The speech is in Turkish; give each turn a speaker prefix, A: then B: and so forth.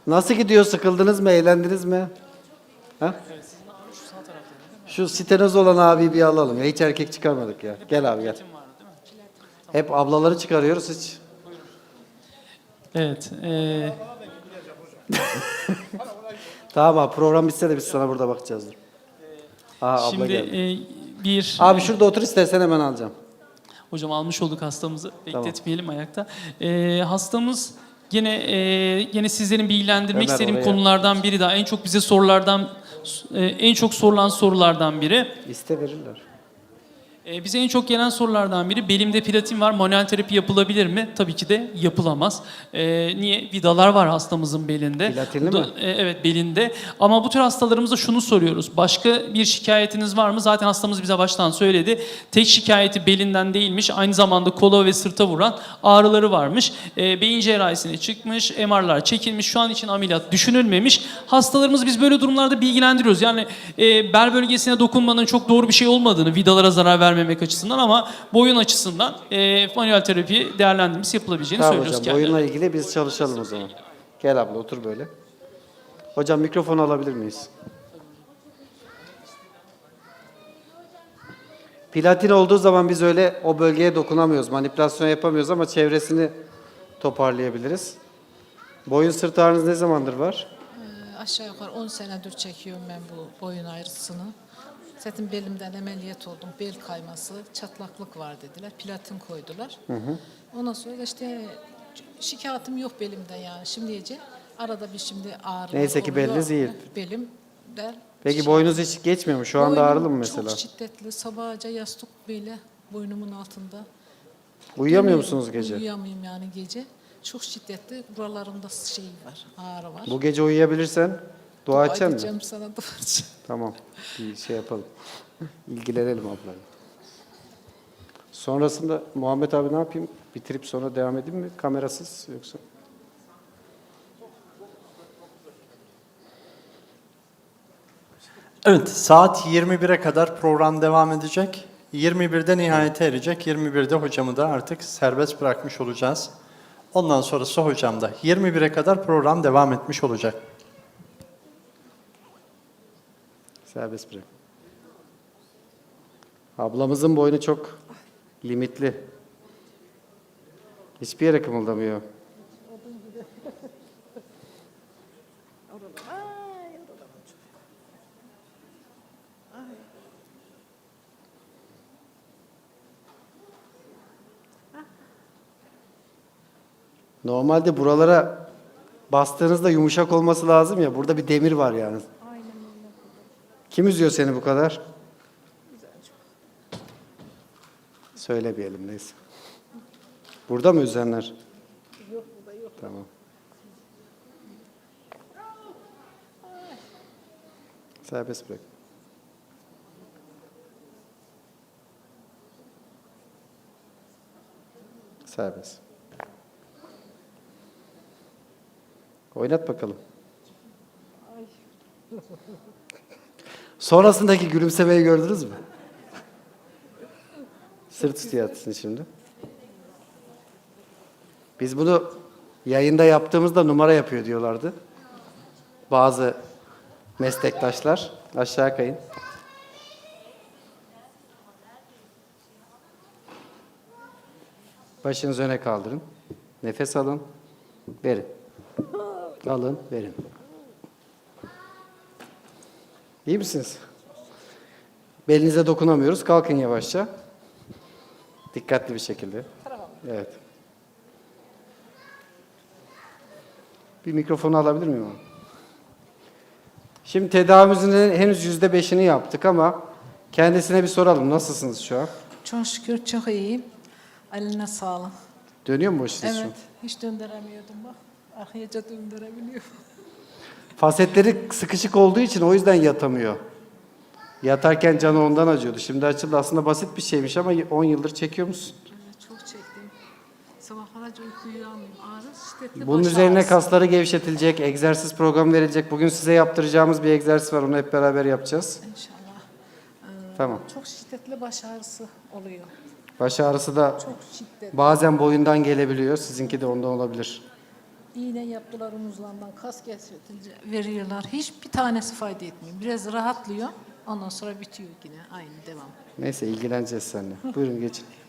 A: Nasıl gidiyor? Sıkıldınız mı? Eğlendiniz mi? Ha? Şu sitenoz olan abiyi bir alalım. Ya hiç erkek çıkarmadık ya. Gel abi gel. Hep ablaları çıkarıyoruz hiç.
B: Evet.
A: Tamam abi program bitse de biz sana burada bakacağız. Dur. Aha, abla
B: Şimdi
A: geldi.
B: bir
A: Abi şurada otur istersen hemen alacağım.
B: hocam almış olduk hastamızı.
A: Tamam.
B: Bekletmeyelim ayakta. Hastamız yine sizlerin bilgilendirmek
A: Ömer,
B: istediğim
A: oraya.
B: konulardan biri daha. En çok bize en çok sorulan sorulardan biri.
A: İste verirler.
B: Bize en çok gelen sorulardan biri belimde platin var, manuel terapi yapılabilir mi? Tabii ki de yapılamaz. Niye? Vidalar var hastamızın belinde.
A: Platinli mi?
B: Evet, belinde. Ama bu tür hastalarımıza şunu soruyoruz. Başka bir şikayetiniz var mı? Zaten hastamız bize baştan söyledi. Tek şikayeti belinden değilmiş. Aynı zamanda kola ve sırta vuran ağrıları varmış. Beyin cerrahisine çıkmış, MR'lar çekilmiş. Şu an için ameliyat düşünülmemiş. Hastalarımız biz böyle durumlarda bilgilendiriyoruz. Yani bel bölgesine dokunmanın çok doğru bir şey olmadığını, vidalara zarar vermemek açısından ama boyun açısından manuel terapi değerlendirmesi yapılabileceğini
A: Tamam
B: söylüyoruz
A: hocam boyunla ilgili biz çalışalım o zaman. Gel abla otur böyle. Hocam mikrofonu alabilir miyiz? Platin olduğu zaman biz öyle o bölgeye dokunamıyoruz. Manipülasyon yapamıyoruz ama çevresini toparlayabiliriz. Boyun sırt ağrınız ne zamandır var?
C: Aşağı yukarı 10 senedir çekiyorum ben bu boyun ağrısını. Zaten belimden ameliyat oldum. Bel kayması, çatlaklık var dediler. Platin koydular. Ondan sonra da işte şikayetim yok belimden yani. Şimdice arada bir şimdi ağrı
A: Neyse ki beliniz iyi.
C: Belimden.
A: Peki boynuz hiç geçmiyor mu? Şu anda
C: Boynum
A: ağrılı mı mesela?
C: Çok şiddetli. Sabahca yastık böyle boynumun altında.
A: Uyuyamıyor
C: Dönüyorum,
A: musunuz gece?
C: Uyuyamıyorum yani gece. Çok şiddetli. Buralarımda şey var, ağrı var.
A: Bu gece uyuyabilirsen dua edeceksin mi?
C: edeceğim sana dua edeceğim.
A: Tamam. Bir şey yapalım. İlgilenelim ablayla. Sonrasında Muhammed abi ne yapayım? Bitirip sonra devam edeyim mi? Kamerasız yoksa?
D: Evet, saat 21'e kadar program devam edecek. 21'de nihayete erecek. 21'de hocamı da artık serbest bırakmış olacağız. Ondan sonrası hocam da. 21'e kadar program devam etmiş olacak.
A: Serbest bırak. Ablamızın boynu çok limitli. Hiçbir yere kımıldamıyor. Normalde buralara bastığınızda yumuşak olması lazım ya. Burada bir demir var yani. Kim üzüyor seni bu kadar? Söylemeyelim neyse. Burada mı üzenler? Yok burada yok. Tamam. Serbest bırak. Serbest. Oynat bakalım. Sonrasındaki gülümsemeyi gördünüz mü? Sırt üstü yatsın şimdi. Biz bunu yayında yaptığımızda numara yapıyor diyorlardı. Bazı meslektaşlar. Aşağı kayın. Başınızı öne kaldırın. Nefes alın. Verin. Alın, verin. İyi misiniz? Belinize dokunamıyoruz. Kalkın yavaşça. Dikkatli bir şekilde. Evet. Bir mikrofonu alabilir miyim abi? Şimdi tedavimizin henüz %5'ini yaptık ama kendisine bir soralım. Nasılsınız şu an?
C: Çok şükür çok iyiyim. Eline sağlık.
A: Dönüyor mu o şiş?
C: Evet, hiç döndüremiyordum bak. Arkayaca döndürebiliyorum.
A: Fasetleri sıkışık olduğu için o yüzden yatamıyor. Yatarken canı ondan acıyordu. Şimdi açıldı. Aslında basit bir şeymiş ama 10 yıldır çekiyor musun?
C: Evet, çok çektim. Sabahlarca uyku uyuyamıyorum. Ağrı şiddetli
A: Bunun
C: baş
A: üzerine
C: ağrısı.
A: kasları gevşetilecek, egzersiz programı verilecek. Bugün size yaptıracağımız bir egzersiz var. Onu hep beraber yapacağız.
C: İnşallah.
A: Tamam.
C: Çok şiddetli baş ağrısı oluyor.
A: Baş ağrısı da
C: Çok şiddetli.
A: bazen boyundan gelebiliyor. Sizinki de ondan olabilir.
C: İğne yaptılar omuzlarından, kas kesiltince veriyorlar. Hiçbir tanesi fayda etmiyor. Biraz rahatlıyor. Ondan sonra bitiyor yine. Aynı devam.
A: Neyse ilgileneceğiz seninle. Buyurun geçin.